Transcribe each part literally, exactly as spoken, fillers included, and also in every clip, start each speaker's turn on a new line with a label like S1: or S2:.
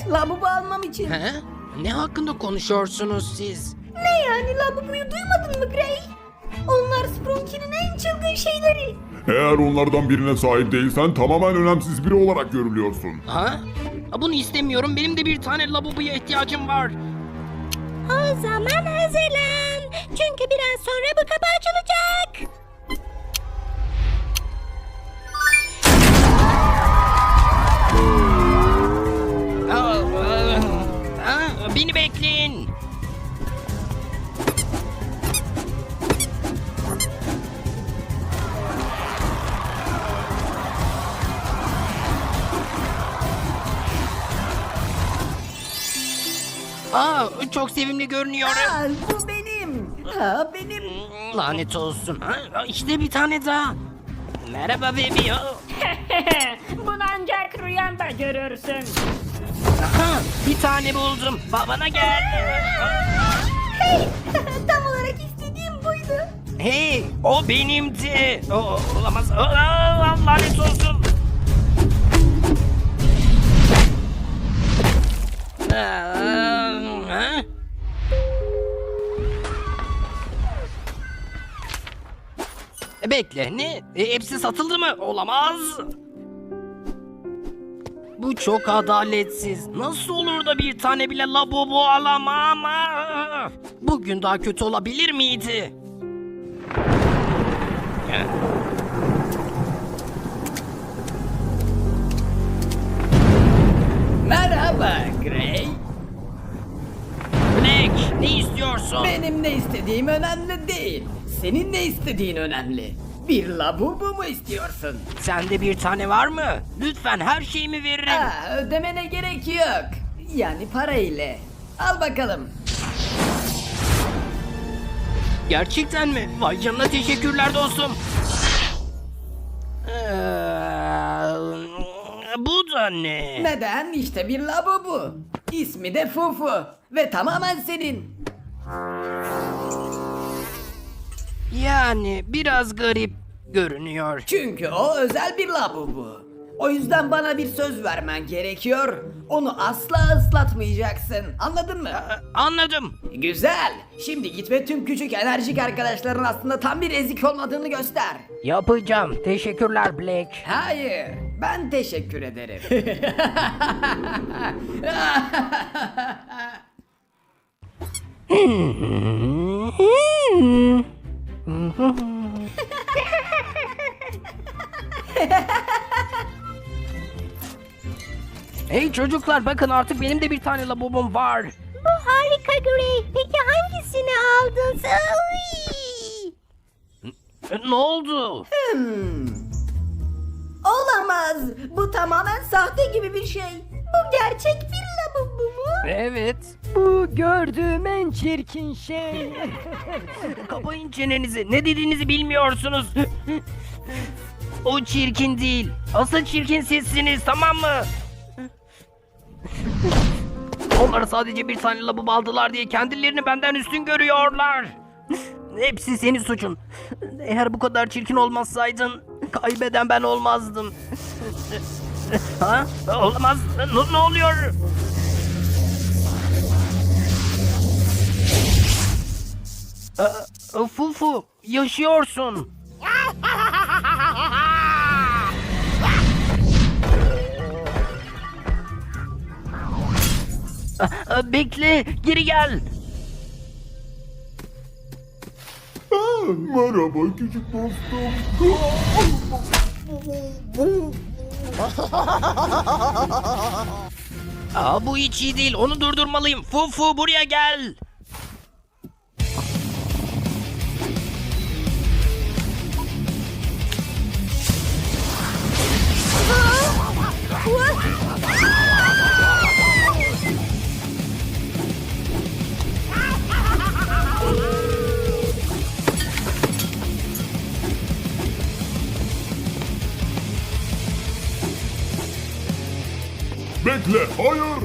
S1: Labubu almam için.
S2: He? Ne hakkında konuşuyorsunuz siz?
S1: Ne yani, Labubu'yu duymadın mı Gray? Onlar Sprunky'nin en çılgın şeyleri.
S3: Eğer onlardan birine sahip değilsen tamamen önemsiz biri olarak görülüyorsun.
S2: Ha? Bunu istemiyorum. Benim de bir tane labubuya ihtiyacım var.
S4: O zaman hazırlan. Çünkü biraz sonra bu kapı açılacak.
S2: Aa, aa, aa, beni bekleyin. Aa, çok sevimli görünüyor.
S1: Aa, bu benim. Ha, benim.
S2: Lanet olsun. Ha, işte bir tane daha. Merhaba bebi.
S5: Bunu ancak rüyanda görürsün.
S2: Aha, bir tane buldum. Babana gel.
S1: Hey, tam olarak istediğim buydu.
S2: Hey, o benimdi. O, olamaz. Aa, lanet olsun. Aa, ha? Bekle, ne? E, hepsi satıldı mı? Olamaz. Bu çok adaletsiz. Nasıl olur da bir tane bile labubu alamam? Bugün daha kötü olabilir miydi?
S1: Merhaba Gray.
S2: Black, ne istiyorsun?
S1: Benim ne istediğim önemli değil. Senin ne istediğin önemli. Bir Labubu mu istiyorsun?
S2: Sende bir tane var mı? Lütfen her şeyimi veririm.
S1: Aa, ödemene gerek yok. Yani para ile. Al bakalım.
S2: Gerçekten mi? Vay canına, teşekkürler dostum. Ee, bu da ne?
S1: Neden? İşte bir Labubu. İsmi de Fufu. Ve tamamen senin.
S2: Yani biraz garip görünüyor.
S1: Çünkü o özel bir Labubu. O yüzden bana bir söz vermen gerekiyor. Onu asla ıslatmayacaksın. Anladın mı?
S2: Anladım.
S1: Güzel. Şimdi git ve tüm küçük enerjik arkadaşların aslında tam bir ezik olmadığını göster.
S2: Yapacağım. Teşekkürler Black.
S1: Hayır. Ben teşekkür ederim.
S2: Hey çocuklar, bakın artık benim de bir tane labubum var.
S4: Bu harika Gray. Peki hangisini aldın sen? Uy!
S2: E, Ne oldu?
S1: Hmm. Olamaz. Bu tamamen sahte gibi bir şey. Bu gerçek bir Labubu mu?
S2: Evet.
S5: Bu gördüğüm en çirkin şey.
S2: Kapayın çenenizi. Ne dediğinizi bilmiyorsunuz. O çirkin değil. Asıl çirkin sizsiniz, tamam mı? Onlar sadece bir tane labubu aldılar diye kendilerini benden üstün görüyorlar. Hepsi senin suçun. Eğer bu kadar çirkin olmasaydın kaybeden ben olmazdım. Ha? Olamaz. Ne, ne oluyor? Aa, Fufu, yaşıyorsun. Aa, Bekle, geri gel.
S3: Ah, merhaba küçük dostum.
S2: Aa, bu hiç iyi değil. Onu durdurmalıyım. Fufu, buraya gel.
S3: Bekle, hayır.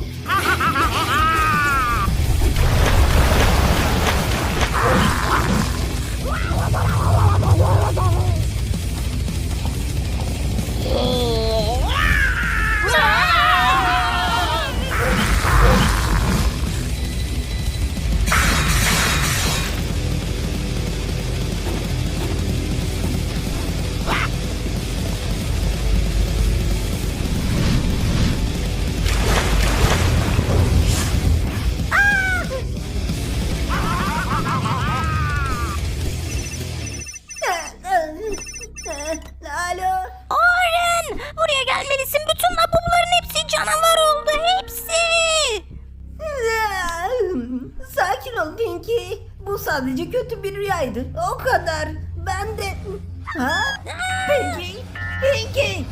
S1: ol Pinky. Bu sadece kötü bir rüyaydı. O kadar. Ben de... Ha? Pinky? Pinky?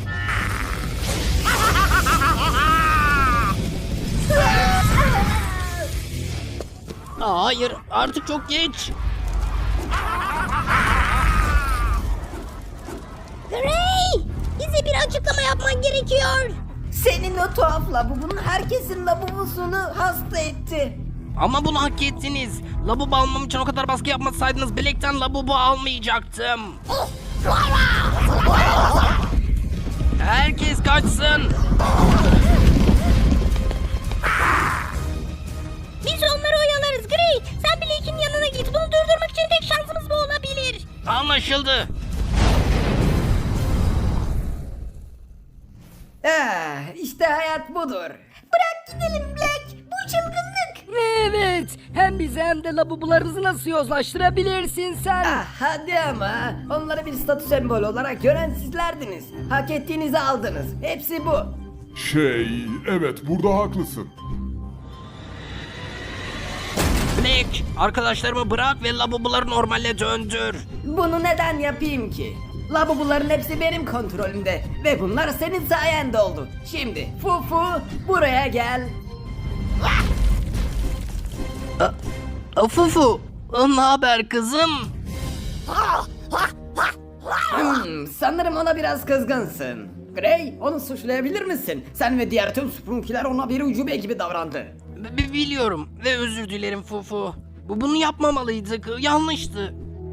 S2: Aa, hayır, artık çok geç.
S4: Gray! Bize bir açıklama yapman gerekiyor.
S1: Senin o tuhaf lavabun herkesin lavabosunu hasta etti.
S2: Ama bunu hak ettiniz. Labubu almam için o kadar baskı yapmasaydınız Black'ten labubu almayacaktım. Herkes kaçsın.
S4: Biz onları oyalarız Gray. Sen Blake'in yanına git. Bunu durdurmak için tek şansımız bu olabilir.
S2: Anlaşıldı.
S1: Ah, işte hayat budur.
S4: Bırak gidelim Black. Bu çılgınlık.
S5: Evet. Hem bizi hem de labubularımızı nasıl yozlaştırabilirsin sen?
S1: Ah, hadi ama. Onları bir statü sembolü olarak gören sizlerdiniz. Hak ettiğinizi aldınız. Hepsi bu.
S3: Şey, evet burada haklısın.
S2: Black, arkadaşlarımı bırak ve labubuları normale döndür.
S1: Bunu neden yapayım ki? Labubuların hepsi benim kontrolümde. Ve bunlar senin sayende oldu. Şimdi Fufu buraya gel.
S2: Fufu, ne haber kızım?
S1: Hmm, sanırım ona biraz kızgınsın. Gray, onu suçlayabilir misin? Sen ve diğer tüm Sprunkiler ona bir ucube gibi davrandı.
S2: B- biliyorum ve özür dilerim Fufu. Bu bunu yapmamalıydık. Yanlıştı.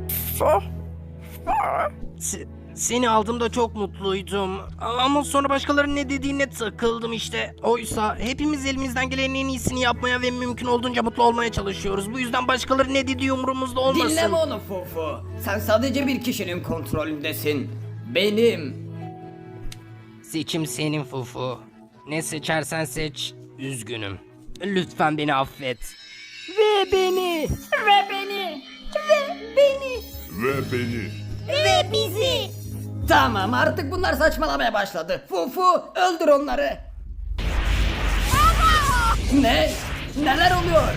S2: Se- seni aldığımda çok mutluydum. Ama sonra başkalarının ne dediğine takıldım işte. Oysa hepimiz elimizden gelenin en iyisini yapmaya ve mümkün olduğunca mutlu olmaya çalışıyoruz. Bu yüzden başkaları ne dediği umurumuzda olmasın.
S1: Dinleme onu Fufu. Sen sadece bir kişinin kontrolündesin. Benim.
S2: Seçim senin Fufu. Ne seçersen seç. Üzgünüm. Lütfen beni affet.
S5: Ve beni. Ve beni.
S4: Ve beni.
S3: Ve beni.
S4: Ve bizi.
S1: Tamam, artık bunlar saçmalamaya başladı. Fufu, öldür onları. Ne? Neler oluyor?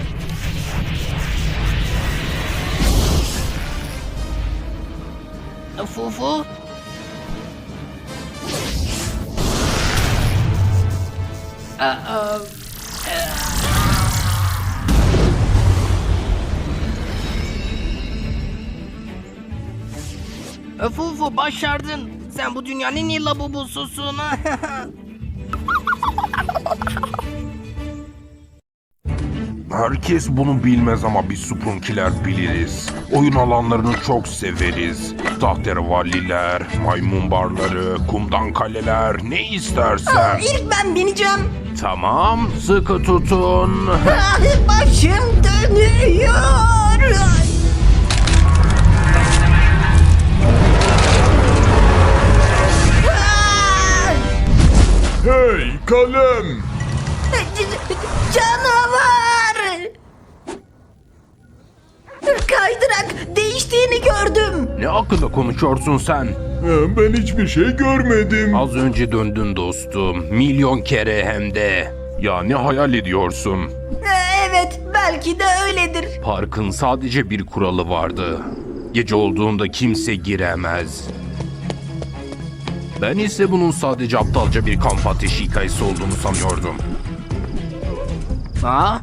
S2: Fufu?
S1: Aa,
S2: Fufu başardın. Sen bu dünyanın en iyi labubususun.
S6: Herkes bunu bilmez ama biz Sprunkiler biliriz. Oyun alanlarını çok severiz. Tahterevalliler, maymun barları, kumdan kaleler, ne istersen.
S1: ilk ben bineceğim.
S6: Tamam, sıkı tutun.
S1: Başım dönüyor.
S3: Hey kalem!
S1: Canavar! Kaydırak değiştiğini gördüm.
S6: Ne hakkında konuşuyorsun sen?
S3: Ee, Ben hiçbir şey görmedim.
S6: Az önce döndün dostum. Milyon kere hem de. Ya ne hayal ediyorsun?
S1: Evet, belki de öyledir.
S6: Parkın sadece bir kuralı vardı. Gece olduğunda kimse giremez. Ben ise bunun sadece aptalca bir kamp ateşi hikayesi olduğunu sanıyordum.
S2: Ha?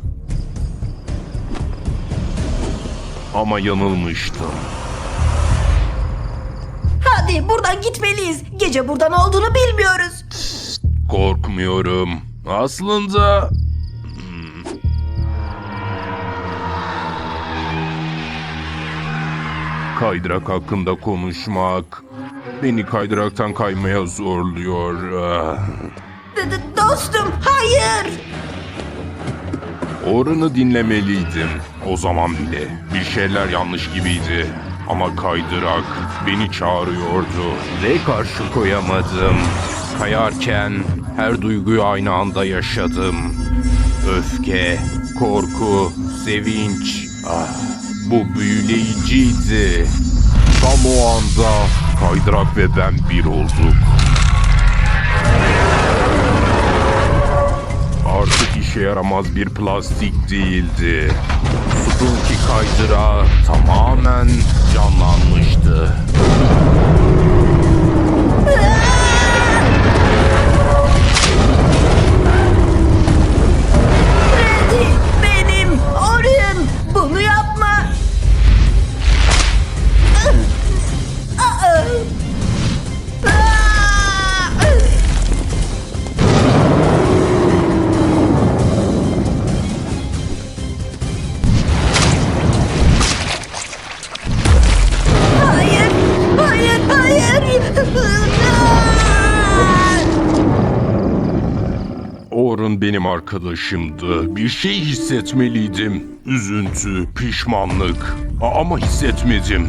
S6: Ama yanılmıştım.
S1: Hadi buradan gitmeliyiz. Gece burada ne olduğunu bilmiyoruz.
S6: Korkmuyorum. Aslında... Hmm. Kaydırak hakkında konuşmak beni kaydıraktan kaymaya zorluyor. Ah.
S1: D- d- dostum, hayır.
S6: Orunu dinlemeliydim. O zaman bile bir şeyler yanlış gibiydi. Ama kaydırak beni çağırıyordu ve karşı koyamadım. Kayarken her duyguyu aynı anda yaşadım. Öfke, korku, sevinç. Ah, bu büyüleyiciydi. Tam o anda kaydırak ve ben bir olduk. Artık işe yaramaz bir plastik değildi. Sprunky kaydırağı tamamen canlanmıştı.
S1: Freddy, benim Orion, bunu yapma. Hayır, hayır, hayır.
S6: Orun benim arkadaşımdı. Bir şey hissetmeliydim. Üzüntü, pişmanlık. A- Ama hissetmedim.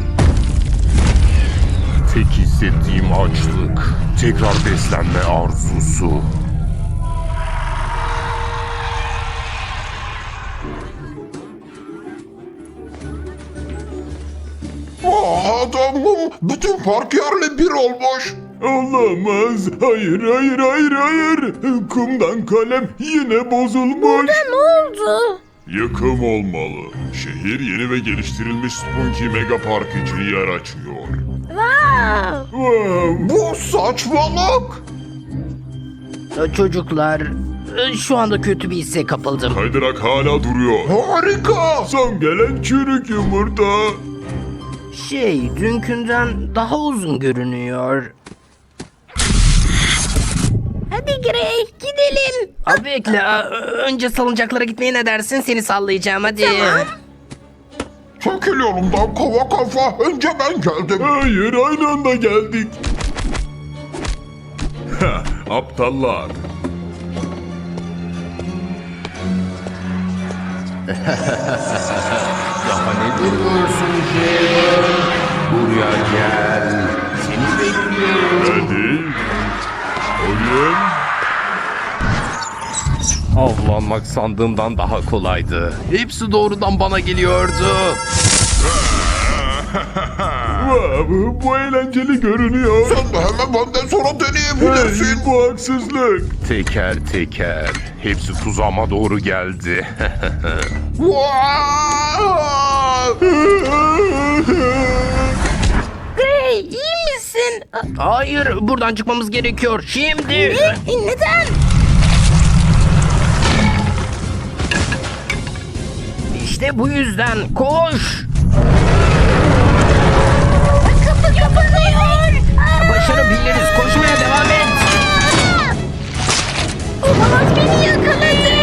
S6: Tek hissettiğim açlık. Tekrar beslenme arzusu.
S3: Adamım bütün park yerle bir olmuş. Olamaz. Hayır hayır hayır hayır. Kumdan kalem yine bozulmuş.
S4: Ne oldu?
S3: Yıkım olmalı. Şehir yeni ve geliştirilmiş Spunky Mega Park için yer açıyor.
S4: Wow.
S3: Bu saçmalık.
S2: Çocuklar, şu anda kötü bir hisse kapıldım.
S3: Kaydırak hala duruyor. Harika. Son gelen çürük yumurta.
S2: Şey, dünkünden daha uzun görünüyor.
S4: Hadi Gray gidelim.
S2: Abi bekle, a- önce salıncaklara gitmeye ne dersin? Seni sallayacağım hadi.
S3: Çekil yolumdan kova kafa. Önce ben geldim. Hayır aynı anda geldik. Aptallar.
S6: Daha ne duruyorsun Jay? Buraya gel. Seni bekliyorum.
S3: Hadi. Oyun.
S6: Avlanmak sandığımdan daha kolaydı. Hepsi doğrudan bana geliyordu.
S3: Wow, bu eğlenceli görünüyor. Sen de hemen benden sonra deneyebilirsin. Hey, bu haksızlık.
S6: Teker teker. Hepsi tuzağıma doğru geldi.
S4: Gray iyi misin?
S2: Hayır, buradan çıkmamız gerekiyor. Şimdi.
S4: Ne? Neden?
S2: İşte bu yüzden koş.
S4: Kapı kapanıyor.
S2: Başarabiliriz. Koşmaya devam et.
S4: Olamaz beni yakaladı.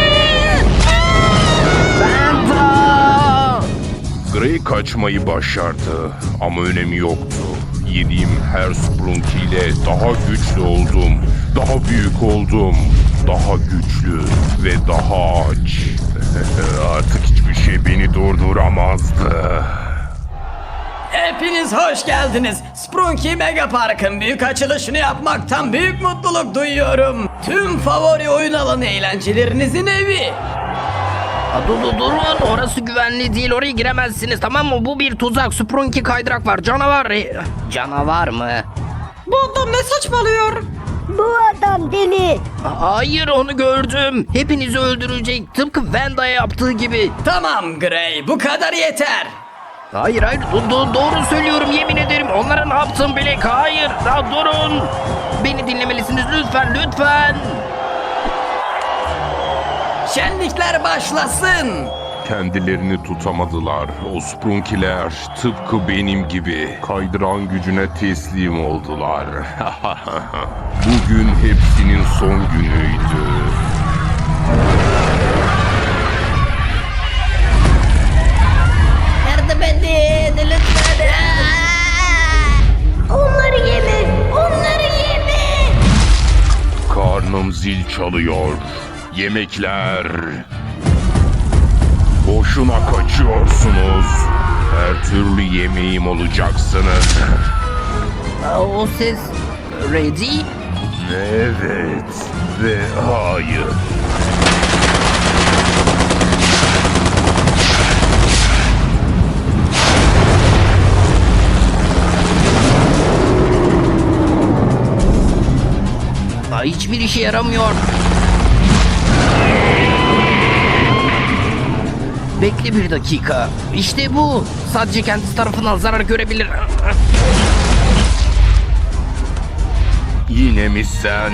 S2: Benta.
S6: Gray kaçmayı başardı ama önemi yoktu. Yediğim her Sprunky ile daha güçlü oldum. Daha büyük oldum. Daha güçlü ve daha aç. Artık hiçbir şey beni durduramazdı.
S1: Hepiniz hoş geldiniz. Sprunky Mega Park'ın büyük açılışını yapmaktan büyük mutluluk duyuyorum. Tüm favori oyun alanı eğlencelerinizin evi.
S2: Aa, Dur, dur, durun. Orası güvenli değil. Oraya giremezsiniz. Tamam mı? Bu bir tuzak. Sprunky kaydırak var. Canavar. E, Canavar mı?
S5: Bu adam ne saçmalıyor?
S4: Bu adam deli.
S2: Aa, Hayır, onu gördüm. Hepinizi öldürecek. Tıpkı Vanda'ya yaptığı gibi.
S1: Tamam Gray, bu kadar yeter.
S2: Hayır hayır do- do- doğru söylüyorum, yemin ederim. Onlara ne yaptım bile? Hayır. Daha durun. Beni dinlemelisiniz lütfen lütfen.
S1: Şenlikler başlasın.
S6: Kendilerini tutamadılar. O Sprunkiler tıpkı benim gibi kaydıran gücüne teslim oldular. Bugün hepsinin son günüydü.
S4: Yardım edin lütfen. Onları yeme. Onları yeme.
S6: Karnım zil çalıyor. Yemekler. Boşuna kaçıyorsunuz. Her türlü yemeğim olacaksınız.
S2: Aa, O ses... Ready?
S6: Evet ve hayır.
S2: Aa, hiçbir işe yaramıyor. Bekle bir dakika. İşte bu. Sadece kendisi tarafından zarar görebilir.
S6: Yine mi sen?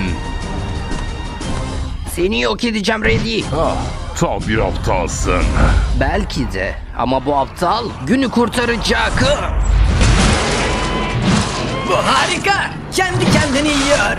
S2: Seni yok edeceğim Reddy.
S6: Ah, tam bir aptalsın.
S2: Belki de. Ama bu aptal günü kurtaracak.
S1: Bu harika. Kendi kendini yiyor.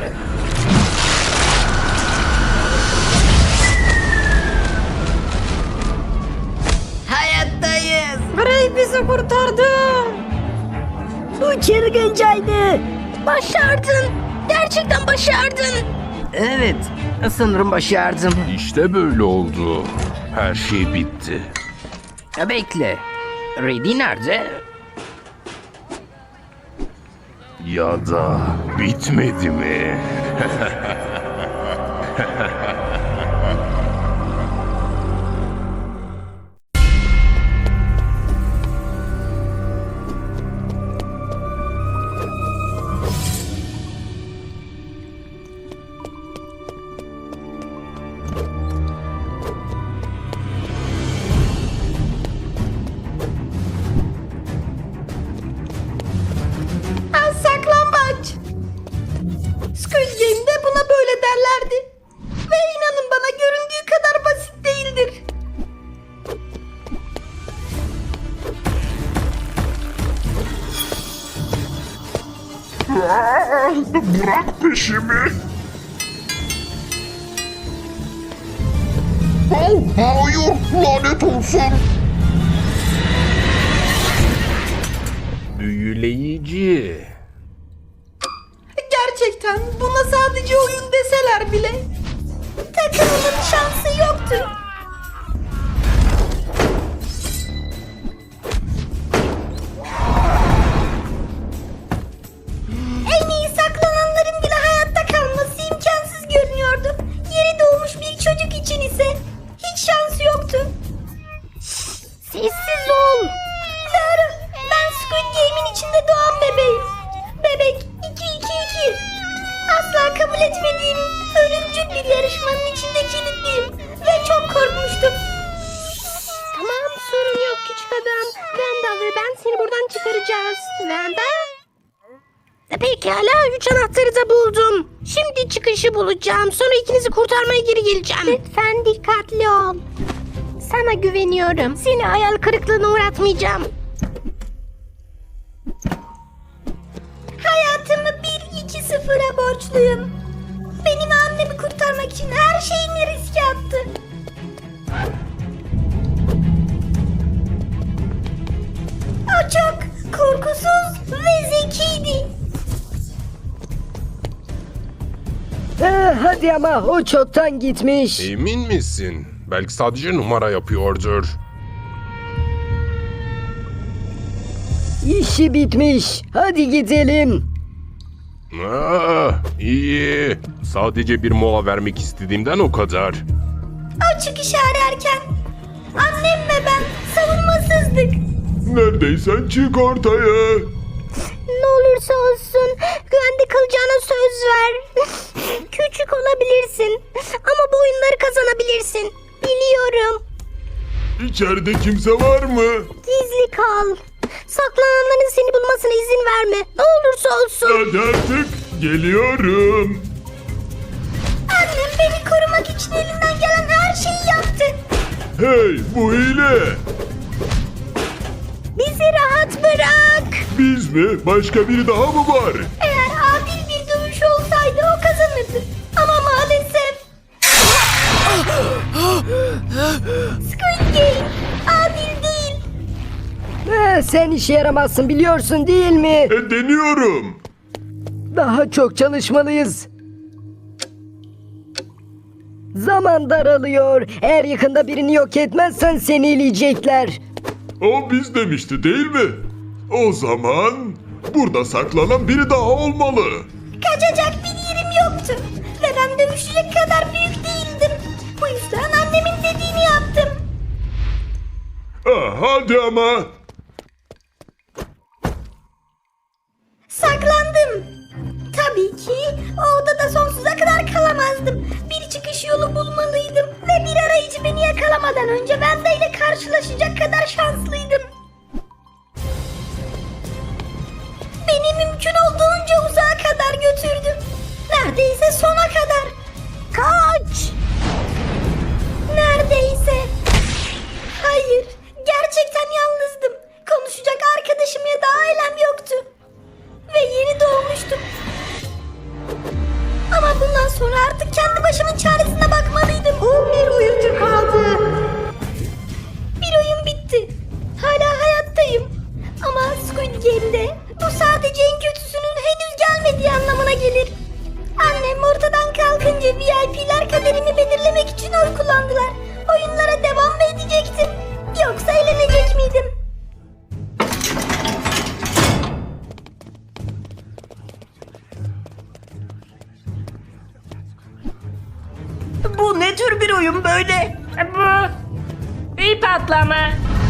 S1: Hayattayız.
S4: Ray bizi kurtardı. Bu çılgıncaydı. Başardın. Gerçekten başardın.
S2: Evet. Sanırım başardım.
S6: İşte böyle oldu. Her şey bitti.
S2: Bekle. Reddy nerede?
S6: Ya da bitmedi mi?
S4: Az saklambaç. Squid Game'de buna böyle derlerdi. Ve inanın bana göründüğü kadar basit değildir.
S3: Bırak peşimi. Oh, hayır, lanet olsun.
S6: Büyüleyici.
S4: Gerçekten buna sadece oyun deseler bile takımımın şansı yoktu. En iyi saklananların bile hayatta kalması imkansız görünüyordu. Yeni doğmuş bir çocuk için ise hiç şansı yoktu. Sessiz ol. Doğru. Ben Squid Game'in içinde doğan bebeğim. Bebek iki iki iki. Asla kabul etmediğim ölümcül bir yarışmanın içinde kilitliyim. Ve çok korkmuştum. Tamam, sorun yok küçük adam. Vanda ve ben seni buradan çıkaracağız. Vanda? Pekala, üç anahtarı da buldum. Şimdi çıkışı bulacağım. Sonra ikinizi kurtarmaya geri geleceğim. Lütfen dikkatli ol. Sana güveniyorum. Seni hayal kırıklığına uğratmayacağım. Hayatımı bir iki sıfıra borçluyum. Benim annemi kurtarmak için her şeyini riske attı. O çok korkusuz ve zekiydi.
S5: Eh, hadi ama o çoktan gitmiş.
S6: Emin misin? Belki sadece numara yapıyordur.
S5: İşi bitmiş. Hadi gidelim.
S6: Ah, iyi. Sadece bir mola vermek istediğimden o kadar.
S4: O çıkışı ararken annem ve ben savunmasızdık.
S3: Neredeysen çık ortaya.
S4: Ne olursa olsun güvende kalacağına söz ver. Küçük olabilirsin ama bu oyunları kazanabilirsin. Biliyorum.
S3: İçeride kimse var mı?
S4: Gizli kal. Saklananların seni bulmasına izin verme. Ne olursa olsun.
S3: Hadi artık geliyorum.
S4: Annem beni korumak için elinden gelen her şeyi yaptı.
S3: Hey, bu hile.
S4: Bizi rahat bırak.
S3: Biz mi? Başka biri daha mı var?
S4: Eğer adil bir dövüş olsaydı o kazanırdı. Ama maalesef... Squid Game adil değil.
S5: Eh, sen işe yaramazsın biliyorsun değil mi?
S3: E, deniyorum.
S5: Daha çok çalışmalıyız. Zaman daralıyor. Eğer yakında birini yok etmezsen seni eleyecekler.
S3: O biz demişti değil mi? O zaman burada saklanan biri daha olmalı.
S4: Kaçacak bir yerim yoktu. Ve ben dövüşecek kadar büyük değildim. Bu yüzden annemin dediğini yaptım.
S3: Ah, hadi ama.
S4: Saklandım. Tabii ki o odada sonsuza kadar kalamazdım. Bir çıkış yolu bulmalıydım ve bir ara tarayıcı beni yakalamadan önce Wednesday ile karşılaşacak kadar şanslıydım. Beni mümkün olduğunca uzağa kadar götürdü. Neredeyse sona kadar. Kaç! Neredeyse. Hayır, gerçekten yalnızdım. Konuşacak arkadaşım ya da ailem yoktu. Ve yeni doğmuştum. Ama bundan sonra artık kendi başımın çaresine bakmalıydım. on bir oyuncu kaldı. Bir oyun bitti. Hala hayattayım. Ama Squid Game'de bu sadece en kötüsünün henüz gelmediği anlamına gelir. Annem ortadan kalkınca V I P'ler kaderimi belirlemek için oy kullandılar. Oyunlara devam mı edecektim? Yoksa eğlenecek miydim?
S1: Bu ne tür bir oyun böyle?
S7: Bu bir patlama.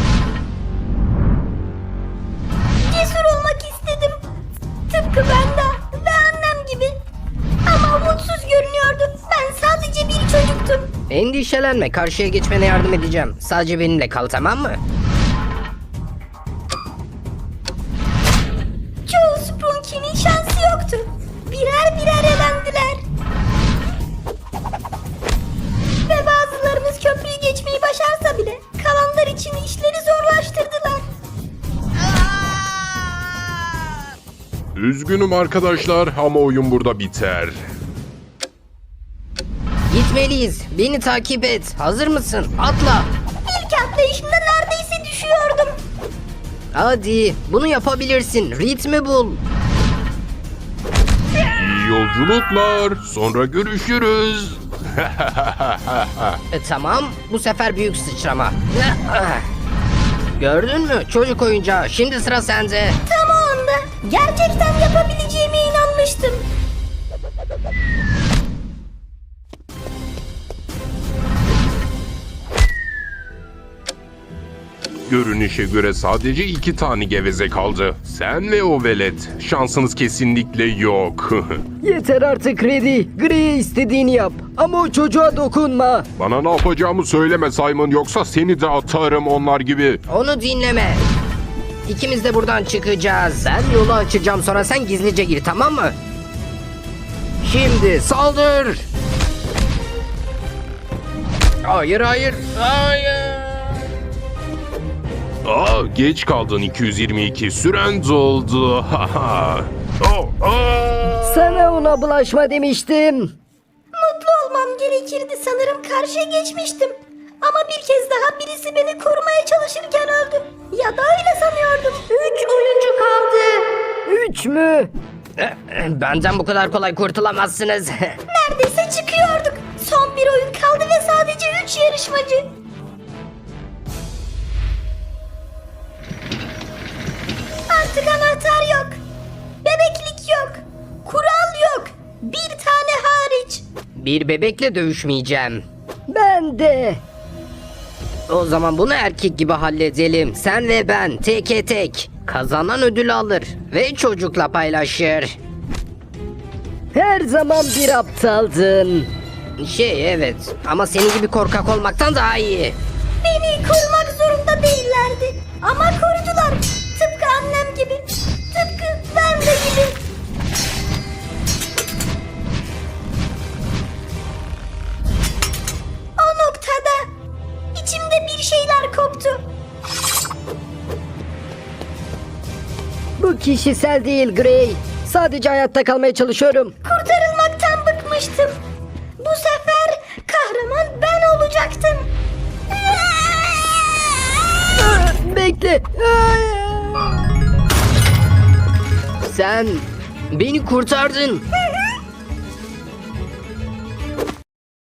S4: Cesur olmak istedim. Tıpkı ben de ve annem gibi. Ama umutsuz görünüyordu. Ben sadece bir çocuktum.
S2: Endişelenme, karşıya geçmene yardım edeceğim. Sadece benimle kal, tamam mı?
S4: Çoğu Sprunky'nin şansı yoktu. Birer birer elendiler. Ve bazılarımız köprüyü geçmeyi başarsa bile kalanlar için işleri zorlaştırdılar.
S6: Üzgünüm arkadaşlar ama oyun burada biter.
S2: Gitmeliyiz. Beni takip et. Hazır mısın? Atla.
S4: İlk atlayışımda neredeyse düşüyordum.
S2: Hadi, bunu yapabilirsin. Ritmi bul.
S6: İyi yolculuklar. Sonra görüşürüz.
S2: E, tamam, bu sefer büyük sıçrama. Gördün mü? Çocuk oyuncağı. Şimdi sıra sende.
S4: Tam o anda gerçekten yapabileceğime inanmıştım.
S6: Görünüşe göre sadece iki tane geveze kaldı. Sen ve o velet. Şansınız kesinlikle yok.
S5: Yeter artık Reddy. Grey'e istediğini yap. Ama o çocuğa dokunma.
S6: Bana ne yapacağımı söyleme Simon, yoksa seni de atarım onlar gibi.
S2: Onu dinleme. İkimiz de buradan çıkacağız. Ben yolu açacağım, sonra sen gizlice gir, tamam mı? Şimdi saldır. Hayır, hayır, hayır.
S6: Aa, geç kaldın iki yüz yirmi iki. Süren doldu. Haha. Oh, oh.
S5: Sana ona bulaşma demiştim.
S4: Mutlu olmam gerekirdi, sanırım karşıya geçmiştim. Ama bir kez daha birisi beni korumaya çalışırken öldü. Ya da öyle sanıyordum. Üç oyuncu kaldı.
S5: Üç mü?
S2: Benden bu kadar kolay kurtulamazsınız.
S4: Neredeyse çıkıyorduk. Son bir oyun kaldı ve sadece üç yarışmacı. Artık anahtar yok. Bebeklik yok. Kural yok. Bir tane hariç.
S2: Bir bebekle dövüşmeyeceğim.
S5: Ben de.
S2: O zaman bunu erkek gibi halledelim. Sen ve ben teke tek. Kazanan ödül alır ve çocukla paylaşır.
S5: Her zaman bir aptaldın.
S2: Şey, evet, ama senin gibi korkak olmaktan daha iyi.
S4: Beni korumak zorunda değillerdi. Ama korudular. Tıpkı annem gibi. Tıpkı ben de gibi. O noktada içimde bir şeyler koptu.
S5: Bu kişisel değil Grey. Sadece hayatta kalmaya çalışıyorum.
S4: Kurtarılmaktan bıkmıştım. Bu sefer kahraman ben olacaktım.
S5: Bekle.
S2: Sen beni kurtardın.